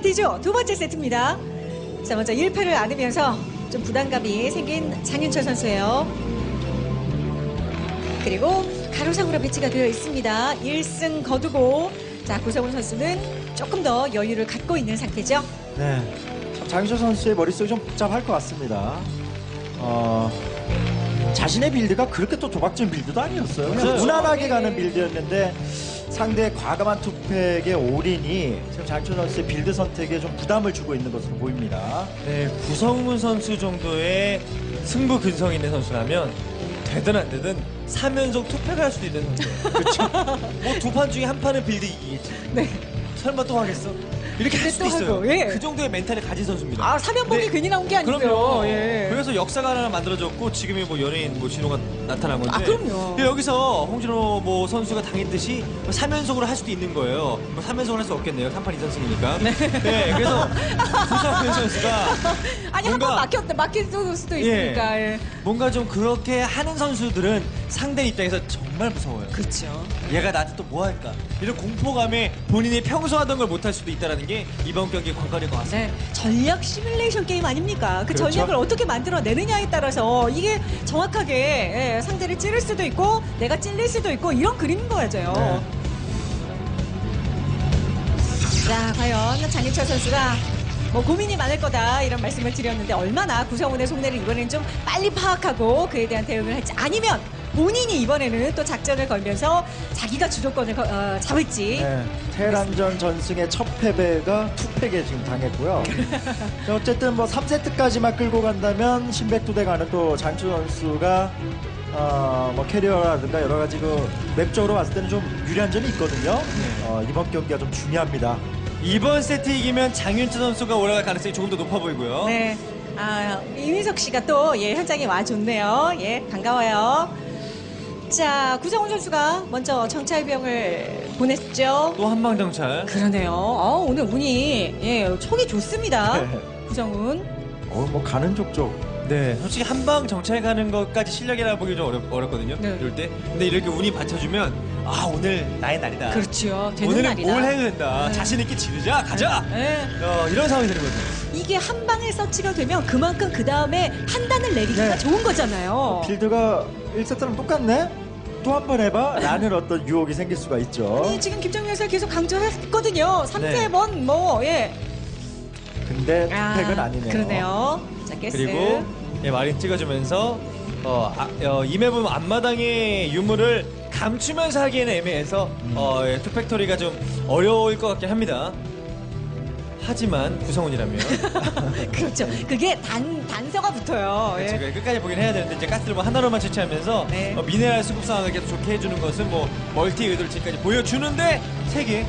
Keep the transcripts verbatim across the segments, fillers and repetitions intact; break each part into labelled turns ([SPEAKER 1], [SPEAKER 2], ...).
[SPEAKER 1] D조 두 번째 세트입니다. 자, 먼저 일 패를 안으면서 좀 부담감이 생긴 장윤철 선수예요. 그리고 가로상으로 배치가 되어 있습니다. 일 승 거두고 자, 구성훈 선수는 조금 더 여유를 갖고 있는 상태죠.
[SPEAKER 2] 네, 참 장윤철 선수의 머릿속이 좀 복잡할 것 같습니다. 어, 자신의 빌드가 그렇게 또 도박적인 빌드도 아니었어요. 그냥
[SPEAKER 3] 그렇죠.
[SPEAKER 2] 무난하게
[SPEAKER 1] 네.
[SPEAKER 2] 가는 빌드였는데 상대의 과감한 투팩의 올인이 지금 장윤철 선수의 빌드 선택에 좀 부담을 주고 있는 것으로 보입니다.
[SPEAKER 3] 네, 구성훈 선수 정도의 승부 근성 있는 선수라면 되든 안 되든 삼 연속 투패를 할 수도 있는 선수. 그렇죠. 뭐 두 판 중에 한 판은 빌드 이기겠지.
[SPEAKER 1] 네.
[SPEAKER 3] 설마 또 하겠어? 이렇게 할
[SPEAKER 1] 근데
[SPEAKER 3] 수도
[SPEAKER 1] 또
[SPEAKER 3] 있어요.
[SPEAKER 1] 하고, 예.
[SPEAKER 3] 그 정도의 멘탈을 가진 선수입니다.
[SPEAKER 1] 아, 사면봉이
[SPEAKER 3] 네.
[SPEAKER 1] 괜히 나온 게 아니고요.
[SPEAKER 3] 그럼요.
[SPEAKER 1] 예.
[SPEAKER 3] 그래서 역사가 하나 만들어졌고 지금의 뭐 연예인 뭐 진호가 나타난 건데.
[SPEAKER 1] 아, 그럼요.
[SPEAKER 3] 근데 여기서 홍진호 뭐 선수가 당했듯이 뭐 삼 연속으로 할 수도 있는 거예요. 뭐 삼 연속을 할 수 없겠네요. 삼 판 이 선승이니까. 네. 네. 그래서 구성훈 선수가
[SPEAKER 1] 아니, 한 번 막혔다, 막힐 수도 있으니까. 예.
[SPEAKER 3] 뭔가 좀 그렇게 하는 선수들은 상대 입장에서 정말 무서워요.
[SPEAKER 1] 그렇죠.
[SPEAKER 3] 얘가 나한테 또 뭐 할까? 이런 공포감에 본인이 평소 하던 걸 못할 수도 있다는 게 이번 경기의 관건일 것 같습니다.
[SPEAKER 1] 네, 전략 시뮬레이션 게임 아닙니까? 그
[SPEAKER 2] 그렇죠.
[SPEAKER 1] 전략을 어떻게 만들어내느냐에 따라서 이게 정확하게 예, 상대를 찌를 수도 있고 내가 찔릴 수도 있고 이런 그림인 거죠.
[SPEAKER 2] 네.
[SPEAKER 1] 자, 과연 장윤철 선수가 뭐 고민이 많을 거다 이런 말씀을 드렸는데 얼마나 구성훈의 속내를 이번에는 좀 빨리 파악하고 그에 대한 대응을 할지 아니면 본인이 이번에는 또 작전을 걸면서 자기가 주도권을 거- 어, 잡을지.
[SPEAKER 2] 네, 테란전 전승의 첫 패배가 투팩에 지금 당했고요. 어쨌든 뭐 삼 세트까지만 끌고 간다면 신백두대 가는 또 장윤철 선수가 어, 뭐 캐리어라든가 여러 가지 그 맵적으로 봤을 때는 좀 유리한 점이 있거든요. 어, 이번 경기가 좀 중요합니다.
[SPEAKER 3] 이번 세트 이기면 장윤철 선수가 올라갈 가능성이 조금 더 높아 보이고요.
[SPEAKER 1] 네. 아, 이민석 씨가 또, 예, 현장에 와줬네요. 예, 반가워요. 자, 구성훈 선수가 먼저 정찰병을 보냈죠.
[SPEAKER 3] 또 한방 정찰.
[SPEAKER 1] 그러네요. 어, 오늘 운이, 예, 촉이 좋습니다.
[SPEAKER 2] 네.
[SPEAKER 1] 구성훈.
[SPEAKER 2] 어, 뭐 가는 족족.
[SPEAKER 3] 네, 솔직히 한방 정찰 가는 것까지 실력이라 보기 좀 어렵, 어렵거든요.
[SPEAKER 1] 네.
[SPEAKER 3] 이럴 때. 근데 이렇게 운이 받쳐주면 아 오늘 나의 날이다.
[SPEAKER 1] 그렇죠. 되는
[SPEAKER 3] 오늘은
[SPEAKER 1] 날이다.
[SPEAKER 3] 뭘 해도 된다.
[SPEAKER 1] 네.
[SPEAKER 3] 자신 있게 지르자. 가자.
[SPEAKER 1] 예.
[SPEAKER 3] 어, 이런 상황이 되는 거죠.
[SPEAKER 1] 이게 한 방에 서치가 되면 그만큼 그 다음에 판단을 내리기가
[SPEAKER 2] 네.
[SPEAKER 1] 좋은 거잖아요.
[SPEAKER 2] 빌드가 일 세트랑 똑같네? 또 한 번 해봐? 라는 어떤 유혹이 생길 수가 있죠.
[SPEAKER 1] 아니, 지금 김정민 선수가 계속 강조했거든요. 삼 세
[SPEAKER 3] 네.
[SPEAKER 1] 번, 뭐, 예.
[SPEAKER 2] 근데 투팩은 아니네요.
[SPEAKER 1] 그러네요. 자, 가스.
[SPEAKER 3] 그리고 예, 마린 찍어주면서 어, 아, 어, 이 맵은 앞마당의 유물을 감추면서 하기에는 애매해서 어, 예, 투팩토리가 좀 어려울 것 같긴 합니다. 하지만 구성훈이라면
[SPEAKER 1] 그렇죠. 그게 단, 단서가 붙어요. 예.
[SPEAKER 3] 제가 끝까지 보긴 해야 되는데 이제 가스를 뭐 하나로만 채취하면서
[SPEAKER 1] 네.
[SPEAKER 3] 어, 미네랄 수급 상황을 계속 좋게 해주는 것은 뭐 멀티 의도치까지 보여주는데 세 개.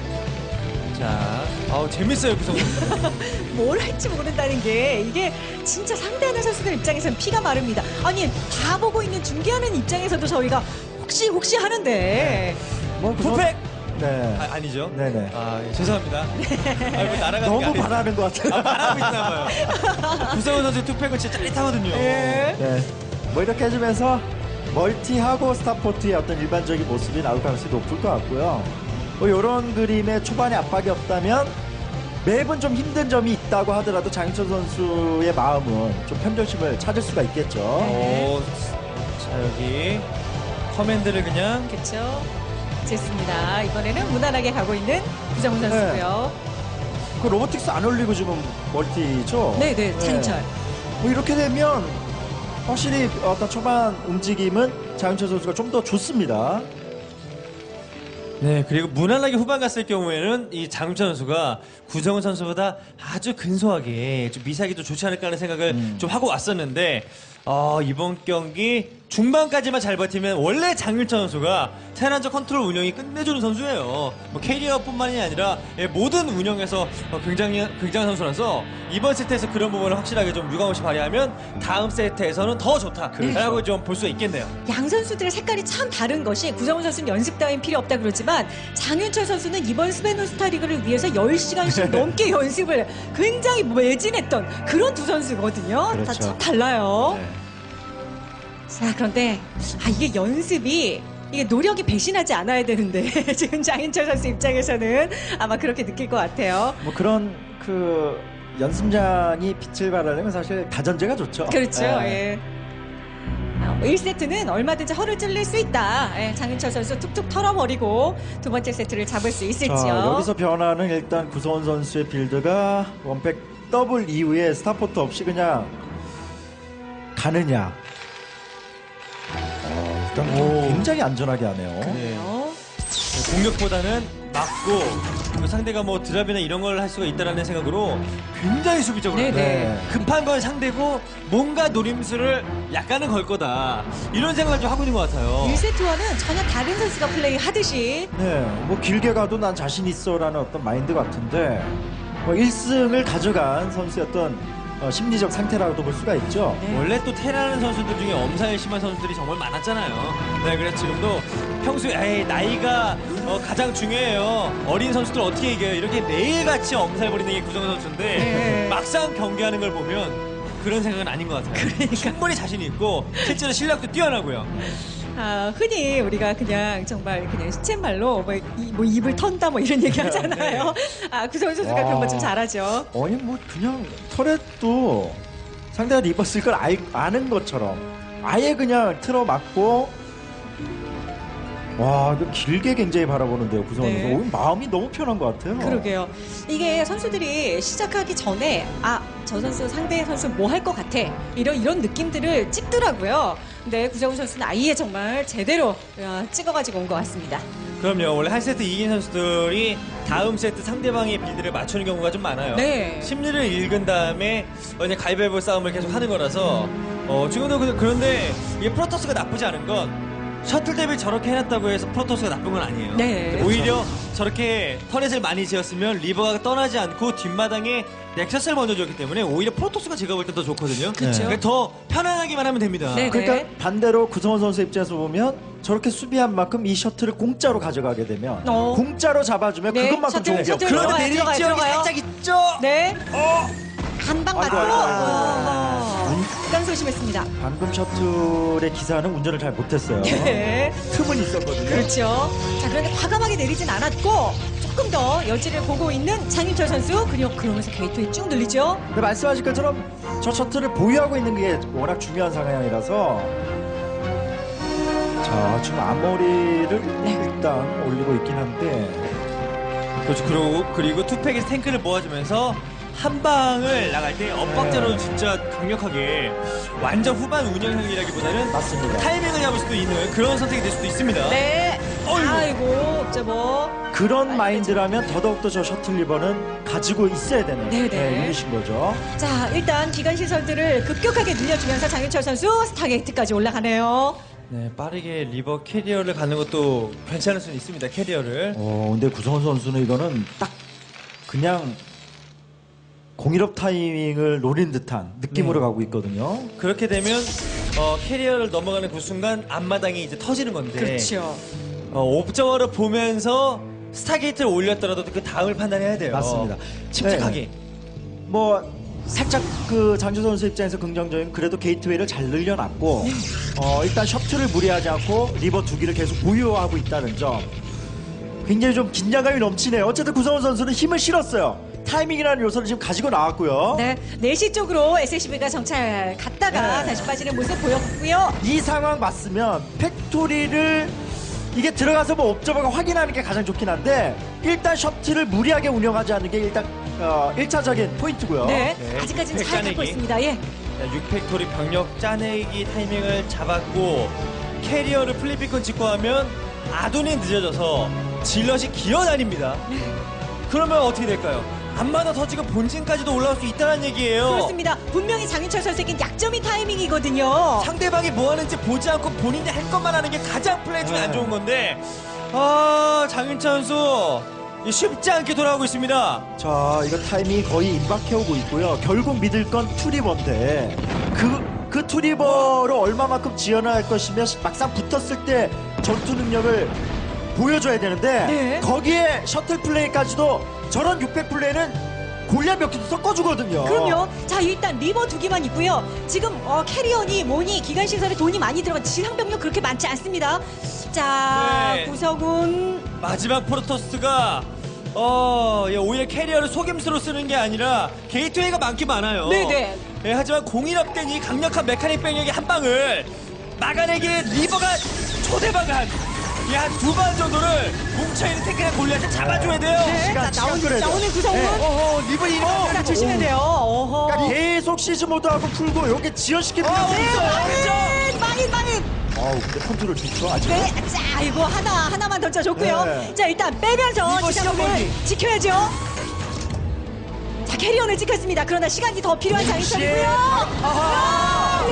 [SPEAKER 3] 자, 아우 재밌어요 구성훈.
[SPEAKER 1] 뭘 할지 모른다는 게 이게 진짜 상대하는 선수들 입장에서는 피가 마릅니다. 아니, 다 보고 있는 중계하는 입장에서도 저희가 혹시 혹시 하는데
[SPEAKER 2] 뭐 그거-
[SPEAKER 3] 투팩.
[SPEAKER 2] 네.
[SPEAKER 3] 아, 아니죠.
[SPEAKER 2] 네네.
[SPEAKER 3] 아, 예, 죄송합니다. 아, 뭐 날아가는 게
[SPEAKER 2] 너무
[SPEAKER 3] 아니에요.
[SPEAKER 2] 바라는 것 같아요.
[SPEAKER 3] 아, 바라고 있나 봐요. 구성훈 선수 투팩은 진짜 짜릿하거든요.
[SPEAKER 1] 예.
[SPEAKER 2] 네. 뭐 이렇게 해주면서 멀티하고 스타포트의 어떤 일반적인 모습이 나올 가능성이 높을 것 같고요. 뭐 이런 그림에 초반에 압박이 없다면 맵은 좀 힘든 점이 있다고 하더라도 장윤철 선수의 마음은 좀 편정심을 찾을 수가 있겠죠.
[SPEAKER 3] 오, 자 여기 커맨드를 그냥
[SPEAKER 1] 그렇죠. 됐습니다. 이번에는 무난하게 가고 있는 구정훈 선수고요.
[SPEAKER 2] 그 로보틱스 안 올리고 지금 멀티죠?
[SPEAKER 1] 네, 네, 장윤철.
[SPEAKER 2] 뭐 이렇게 되면 확실히 어떤 초반 움직임은 장윤철 선수가 좀 더 좋습니다.
[SPEAKER 3] 네, 그리고 무난하게 후반 갔을 경우에는 이 장윤철 선수가 구정훈 선수보다 아주 근소하게 좀 미세하게도 좋지 않을까 하는 생각을
[SPEAKER 2] 음.
[SPEAKER 3] 좀 하고 왔었는데 어, 이번 경기 중반까지만 잘 버티면 원래 장윤철 선수가 테란저 컨트롤 운영이 끝내주는 선수예요. 뭐 캐리어뿐만이 아니라 예, 모든 운영에서 어, 굉장히 굉장한 선수라서 이번 세트에서 그런 부분을 확실하게 좀 유감 없이 발휘하면 다음 세트에서는 더 좋다라고 좀 볼 수 있겠네요.
[SPEAKER 1] 양 선수들의 색깔이 참 다른 것이 구정훈 선수는 연습 따윈 필요 없다 그러지만 장윤철 선수는 이번 스페누 스타리그를 위해서 열 시간씩 넘게 연습을 굉장히 매진했던 그런 두 선수거든요. 다
[SPEAKER 2] 그렇죠.
[SPEAKER 1] 참 달라요.
[SPEAKER 3] 네.
[SPEAKER 1] 자, 그런데 아 이게 연습이 이게 노력이 배신하지 않아야 되는데 지금 장윤철 선수 입장에서는 아마 그렇게 느낄 것 같아요.
[SPEAKER 2] 뭐 그런 그 연습장이 빛을 발하려면 사실 다전제가 좋죠.
[SPEAKER 1] 그렇죠.
[SPEAKER 2] 예.
[SPEAKER 1] 예. 아, 뭐 일 세트는 얼마든지 허를 찔릴 수 있다. 예, 장윤철 선수 툭툭 털어버리고 두 번째 세트를 잡을 수 있을지요.
[SPEAKER 2] 자, 여기서 변화는 일단 구성원 선수의 빌드가 원팩 더블 이후에 스타포트 없이 그냥 가느냐. 어, 일단
[SPEAKER 3] 오.
[SPEAKER 2] 굉장히 안전하게 하네요.
[SPEAKER 1] 그래요.
[SPEAKER 3] 공격보다는 막고 그리고 상대가 뭐 드랍이나 이런 걸 할 수가 있다라는 생각으로 굉장히 수비적으로
[SPEAKER 1] 네네.
[SPEAKER 2] 네.
[SPEAKER 3] 급한 건 상대고 뭔가 노림수를 약간은 걸 거다 이런 생각을 좀 하고 있는 것 같아요.
[SPEAKER 1] 일 세트와는 전혀 다른 선수가 플레이 하듯이
[SPEAKER 2] 네, 뭐 길게 가도 난 자신 있어라는 어떤 마인드 같은데 뭐 일 승을 가져간 선수의 어떤 어, 심리적 상태라고도 볼 수가 있죠.
[SPEAKER 1] 네.
[SPEAKER 3] 원래 또 테라는 선수들 중에 엄살이 심한 선수들이 정말 많았잖아요. 네, 그래서 지금도 평소에 에이, 나이가 어, 가장 중요해요. 어린 선수들 어떻게 이겨요? 이렇게 매일같이 엄살 부리는 게 구정 선수인데
[SPEAKER 1] 네.
[SPEAKER 3] 막상 경기하는 걸 보면 그런 생각은 아닌 것 같아요.
[SPEAKER 1] 그러니까.
[SPEAKER 3] 충분히 자신이 있고 실제로 실력도 뛰어나고요.
[SPEAKER 1] 아, 흔히 우리가 그냥 정말 그냥 시쳇말로 뭐, 이, 뭐 입을 턴다 뭐 이런 얘기 하잖아요. 아, 구성원 선수가
[SPEAKER 2] 와.
[SPEAKER 1] 그런 거 좀 잘하죠.
[SPEAKER 2] 아니 뭐 그냥 터렛도 상대가 리버 쓸 걸 아는 것처럼 아예 그냥 틀어 막고 와, 이거 길게 굉장히 바라보는데요, 구성원
[SPEAKER 1] 네.
[SPEAKER 2] 선수. 오늘 마음이 너무 편한 것 같아요.
[SPEAKER 1] 그러게요. 이게 선수들이 시작하기 전에 아, 저 선수 상대 선수 뭐 할 것 같아 이런 이런 느낌들을 찍더라고요. 근데 구정훈 선수는 아예 정말 제대로 어, 찍어가지고 온 것 같습니다.
[SPEAKER 3] 그럼요. 원래 한 세트 이긴 선수들이 다음 세트 상대방의 빌드를 맞추는 경우가 좀 많아요.
[SPEAKER 1] 네.
[SPEAKER 3] 심리를 읽은 다음에 어, 이제 가위바위보 싸움을 계속 하는 거라서 어, 지금도 그, 그런데 이게 프로토스가 나쁘지 않은 건 셔틀 대비 저렇게 해놨다고 해서 프로토스가 나쁜 건 아니에요.
[SPEAKER 1] 네.
[SPEAKER 3] 오히려 저렇게 터렛을 많이 지었으면 리버가 떠나지 않고 뒷마당에 넥서스를 먼저 줬기 때문에 오히려 프로토스가 제가 볼 때 더 좋거든요.
[SPEAKER 1] 그렇죠.
[SPEAKER 3] 그러니까 더 편안하기만 하면 됩니다.
[SPEAKER 1] 네.
[SPEAKER 2] 그러니까 반대로 구성원 선수 입장에서 보면 저렇게 수비한 만큼 이 셔틀을 공짜로 가져가게 되면
[SPEAKER 1] 어.
[SPEAKER 2] 공짜로 잡아주면
[SPEAKER 1] 네,
[SPEAKER 2] 그것만큼
[SPEAKER 1] 셔틀,
[SPEAKER 2] 좋은 게
[SPEAKER 1] 셔틀
[SPEAKER 2] 없어요.
[SPEAKER 1] 들어가요,
[SPEAKER 3] 그런데 내릴
[SPEAKER 1] 들어가요,
[SPEAKER 3] 지역이
[SPEAKER 1] 들어가요.
[SPEAKER 3] 살짝 있죠.
[SPEAKER 1] 네.
[SPEAKER 3] 어.
[SPEAKER 1] 한 방 맞고
[SPEAKER 2] 아이고, 아이고, 아이고.
[SPEAKER 1] 어, 약간 소심했습니다.
[SPEAKER 2] 방금 셔틀의 기사는 운전을 잘 못했어요.
[SPEAKER 1] 네.
[SPEAKER 2] 틈은 있었거든요.
[SPEAKER 1] 그렇죠. 자, 그런데 과감하게 내리진 않았고 조금 더 여지를 보고 있는 장윤철 선수. 그리고 그러면서 게이트에 쭉 늘리죠.
[SPEAKER 2] 근데 말씀하신 것처럼 저 셔틀을 보유하고 있는 게 워낙 중요한 상황이라서 자, 지금 앞머리를
[SPEAKER 1] 네.
[SPEAKER 2] 일단 올리고 있긴 한데
[SPEAKER 3] 그렇죠. 그리고, 그리고 투팩에서 탱크를 모아주면서 한 방을 나갈 때 엇박자로
[SPEAKER 2] 네.
[SPEAKER 3] 진짜 강력하게 완전 후반 운영형이라기보다는
[SPEAKER 2] 맞습니다.
[SPEAKER 3] 타이밍을 잡을 수도 있는 그런 선택이 될 수도 있습니다.
[SPEAKER 1] 네.
[SPEAKER 3] 어이구.
[SPEAKER 1] 아이고, 저 뭐.
[SPEAKER 2] 그런 마인드라면 더더욱더 저 셔틀 리버는 가지고 있어야 되는
[SPEAKER 1] 네네.
[SPEAKER 2] 네, 유닛인 거죠.
[SPEAKER 1] 자, 일단 기관 시설들을 급격하게 늘려주면서 장윤철 선수 스타게이트까지 올라가네요.
[SPEAKER 3] 네, 빠르게 리버 캐리어를 가는 것도 괜찮을 수는 있습니다. 캐리어를.
[SPEAKER 2] 어, 근데 구성원 선수는 이거는 딱 그냥 공일업 타이밍을 노린 듯한 느낌으로
[SPEAKER 3] 네.
[SPEAKER 2] 가고 있거든요.
[SPEAKER 3] 그렇게 되면 어, 캐리어를 넘어가는 그 순간 앞마당이 이제 터지는 건데
[SPEAKER 1] 그렇죠.
[SPEAKER 3] 어, 옵저어를 보면서 스타게이트를 올렸더라도 그 다음을 판단해야 돼요.
[SPEAKER 2] 맞습니다.
[SPEAKER 3] 침착하게.
[SPEAKER 2] 네. 뭐 살짝 그 장주 선수 입장에서 긍정적인 그래도 게이트웨이를 잘 늘려놨고 어, 일단 셔틀을 무리하지 않고 리버 두 기를 계속 보유하고 있다는 점 굉장히 좀 긴장감이 넘치네요. 어쨌든 구성원 선수는 힘을 실었어요. 타이밍이라는 요소를 지금 가지고 나왔고요.
[SPEAKER 1] 네, 네 시 쪽으로 에스에스비가 정찰 갔다가
[SPEAKER 2] 네.
[SPEAKER 1] 다시 빠지는 모습 보였고요.
[SPEAKER 2] 이 상황 맞으면 팩토리를 이게 들어가서 뭐 옵저버가 확인하는 게 가장 좋긴 한데 일단 셔틀을 무리하게 운영하지 않는 게 일단 어, 일 차적인 포인트고요.
[SPEAKER 1] 네,
[SPEAKER 3] 네,
[SPEAKER 1] 아직까지는
[SPEAKER 3] 백
[SPEAKER 1] 잘 갖고
[SPEAKER 3] 짜내기.
[SPEAKER 1] 있습니다. 예.
[SPEAKER 3] 육 팩토리 병력 짜내기 타이밍을 잡았고 캐리어를 플리피컨 짓고 하면 아둔이 늦어져서 질럿이 기어다닙니다. 그러면 어떻게 될까요? 앞마다 터지고 본진까지도 올라올 수 있다는 얘기예요.
[SPEAKER 1] 그렇습니다. 분명히 장윤철 선수에겐 약점이 타이밍이거든요.
[SPEAKER 3] 상대방이 뭐 하는지 보지 않고 본인이 할 것만 하는 게 가장 플레이 중에
[SPEAKER 2] 네.
[SPEAKER 3] 안 좋은 건데 아 장윤철 선수 쉽지 않게 돌아오고 있습니다.
[SPEAKER 2] 자, 이거 타이밍이 거의 임박해오고 있고요. 결국 믿을 건 투리버인데 그, 그 투리버로 얼마만큼 지원을 할 것이며 막상 붙었을 때 전투 능력을 보여줘야 되는데
[SPEAKER 1] 네.
[SPEAKER 2] 거기에 셔틀 플레이까지도 저런 육백 플레이는 골리앗 몇 개도 섞어주거든요.
[SPEAKER 1] 그럼요. 자, 일단 리버 두 개만 있고요. 지금 어, 캐리어니 뭐니 기관 시설에 돈이 많이 들어간 지상 병력 그렇게 많지 않습니다. 자,
[SPEAKER 3] 네.
[SPEAKER 1] 구성훈.
[SPEAKER 3] 마지막 프로토스가 어, 예, 오히려 캐리어를 속임수로 쓰는 게 아니라 게이트웨이가 많긴 많아요.
[SPEAKER 1] 네네.
[SPEAKER 3] 예, 하지만 공인합된 이 강력한 메카닉 병력의 한 방을 막아내기에 리버가 초대박한 예, 한 두 번 정도를 뭉쳐있는 테크랑 골리앗을 잡아줘야 돼요.
[SPEAKER 1] 네,
[SPEAKER 2] 시간,
[SPEAKER 1] 자,
[SPEAKER 2] 시간
[SPEAKER 1] 나오는,
[SPEAKER 2] 끌어야 돼요.
[SPEAKER 1] 나오는 구성훈.
[SPEAKER 2] 네.
[SPEAKER 3] 어허, 리버 이리
[SPEAKER 1] 자, 조심해야 돼요. 어허.
[SPEAKER 2] 그러니까 계속 시즈 모드하고 풀고 여기 지연시키는
[SPEAKER 3] 어,
[SPEAKER 2] 게
[SPEAKER 1] 네,
[SPEAKER 3] 그렇죠,
[SPEAKER 1] 마인, 마인, 마인.
[SPEAKER 2] 아우 근데 컨트롤 좋죠 아직.
[SPEAKER 1] 네, 자, 이거 하나, 하나만 던져줬고요.
[SPEAKER 2] 네.
[SPEAKER 1] 자, 일단 빼면서
[SPEAKER 3] 리버
[SPEAKER 1] 지상을
[SPEAKER 3] 시어머니.
[SPEAKER 1] 지켜야죠. 자, 캐리어는 찍혔습니다. 그러나 시간이 더 필요한 장인철이고요.
[SPEAKER 3] 아하.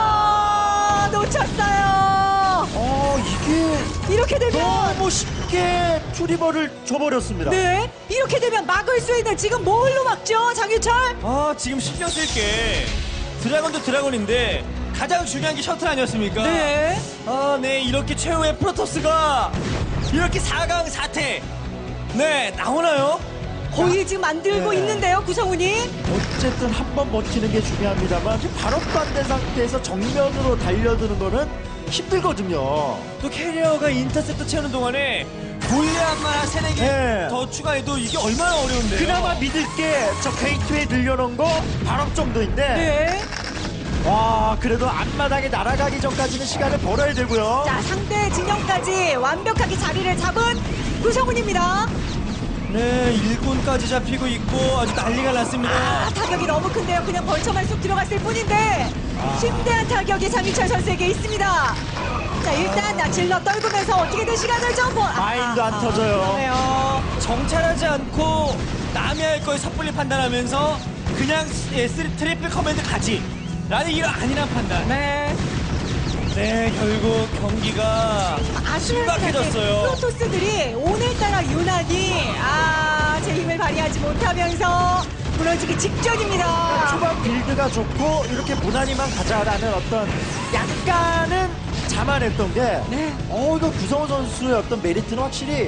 [SPEAKER 1] 리버 놓쳤어요.
[SPEAKER 2] 어 이게
[SPEAKER 1] 이렇게 되면
[SPEAKER 2] 너무 쉽게 투리버를 줘버렸습니다.
[SPEAKER 1] 네, 이렇게 되면 막을 수 있는 지금 뭘로 막죠, 장윤철?
[SPEAKER 3] 아, 지금 신경 쓸 게 드래곤도 드래곤인데 가장 중요한 게 셔틀 아니었습니까?
[SPEAKER 1] 네.
[SPEAKER 3] 아, 네, 이렇게 최후의 프로토스가 이렇게 사 강 사 퇴 네, 나오나요?
[SPEAKER 1] 거의 지금 만들고
[SPEAKER 2] 네.
[SPEAKER 1] 있는데요, 구성훈이.
[SPEAKER 2] 어쨌든 한 번 버티는 게 중요합니다만 지금 발업도 안 된 상태에서 정면으로 달려드는 거는 힘들거든요.
[SPEAKER 3] 또 캐리어가 인터셉터 채우는 동안에 골리앗만 세네 개
[SPEAKER 2] 네.
[SPEAKER 3] 더 추가해도 이게 얼마나 어려운데요?
[SPEAKER 2] 그나마 믿을 게 저 게이트웨이 늘려놓은 거 발업 정도인데
[SPEAKER 1] 네.
[SPEAKER 2] 와 그래도 앞마당에 날아가기 전까지는 시간을 벌어야 되고요.
[SPEAKER 1] 자, 상대 진영까지 완벽하게 자리를 잡은 구성훈입니다.
[SPEAKER 3] 네, 일꾼까지 잡히고 있고 아주 난리가 났습니다.
[SPEAKER 1] 아, 타격이 너무 큰데요. 그냥 벌처만 쑥 들어갔을 뿐인데 심대한 타격이 장윤철 선수에게 있습니다. 자, 일단 나 질러 떨구면서 어떻게든 시간을 좀 벌.
[SPEAKER 2] 마인도 안 터져요.
[SPEAKER 1] 그러네요.
[SPEAKER 3] 정찰하지 않고 남이 할 걸 섣불리 판단하면서 그냥 S 트리플 커맨드 가지 라는 이런 아니란 판단.
[SPEAKER 1] 네.
[SPEAKER 3] 네, 결국 경기가 신박해졌어요.
[SPEAKER 1] 프로토스들이 오늘따라 유난히 아, 제 힘을 발휘하지 못하면서 무너지기 직전입니다.
[SPEAKER 2] 초반 빌드가 좋고 이렇게 무난히만 가자라는 어떤 약간은 자만했던 게
[SPEAKER 1] 네.
[SPEAKER 2] 어 이거 구성호 선수의 어떤 메리트는 확실히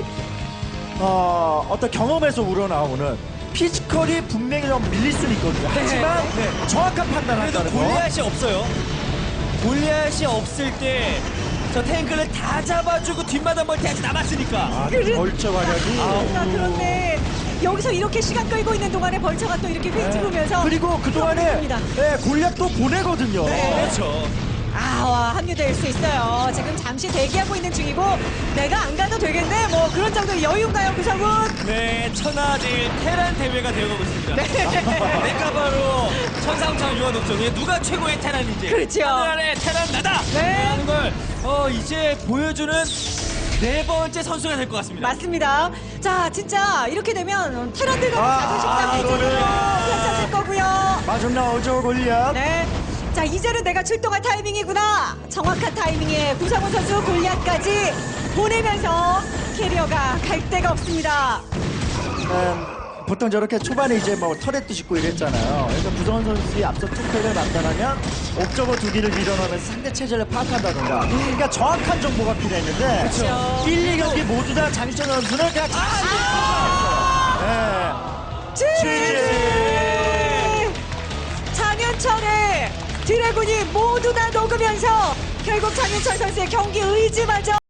[SPEAKER 2] 어 어떤 경험에서 우러나오는 피지컬이 분명히 좀 밀릴 수는 있거든요. 하지만
[SPEAKER 3] 네.
[SPEAKER 2] 정확한
[SPEAKER 3] 그래도
[SPEAKER 2] 판단한다는 거.
[SPEAKER 3] 골리앗이 없어요. 골리앗이 없을 때 저 탱크를 다 잡아주고 뒷마당 멀티까지 남았으니까.
[SPEAKER 2] 아,
[SPEAKER 1] 그래.
[SPEAKER 2] 벌처 활약이.
[SPEAKER 1] 아, 그런데 여기서 이렇게 시간 끌고 있는 동안에 벌처가 또 이렇게 휘집으면서
[SPEAKER 2] 그리고 그 동안에
[SPEAKER 1] 들어옵니다.
[SPEAKER 2] 네, 골리앗 또 보내거든요.
[SPEAKER 1] 네.
[SPEAKER 3] 그렇죠.
[SPEAKER 1] 아, 와, 합류될 수 있어요. 지금 잠시 대기하고 있는 중이고 내가 안 가도 되겠네. 뭐 그런 정도의 여유인가요, 구성훈?
[SPEAKER 3] 네, 천하제일 테란 대회가 되어가고 있습니다. 내가 바로 천상천 유아독종에 누가 최고의 테란인지.
[SPEAKER 1] 그렇죠.
[SPEAKER 3] 하늘 아래 테란 나다.
[SPEAKER 1] 네.
[SPEAKER 3] 라는 걸 어, 이제 보여주는 네 번째 선수가 될 것 같습니다.
[SPEAKER 1] 맞습니다. 자, 진짜 이렇게 되면 테란들과
[SPEAKER 2] 아,
[SPEAKER 1] 자존심
[SPEAKER 2] 아,
[SPEAKER 1] 싸움이
[SPEAKER 2] 이거는-
[SPEAKER 1] 펼쳐질 거고요.
[SPEAKER 2] 마중 나오죠 골리앗.
[SPEAKER 1] 네. 자, 이제는 내가 출동할 타이밍이구나. 정확한 타이밍에 구성훈 선수 골리앗까지 보내면서 캐리어가 갈 데가 없습니다.
[SPEAKER 2] 음, 보통 저렇게 초반에 이제 뭐 터렛도 짓고 이랬잖아요. 그래서 구성원 선수의 앞서 투팩을 만들어내면 옵저버 두 개를 밀어넣으면서 상대 체제를 파악한다던가. 그러니까 정확한 정보가 필요했는데
[SPEAKER 1] 그렇죠.
[SPEAKER 2] 일, 이 경기 모두 다 장윤철 선수는 그냥 아! 네.
[SPEAKER 1] 지지! 장윤철의 드래곤이 모두 다 녹으면서 결국 장윤철 선수의 경기 의지마저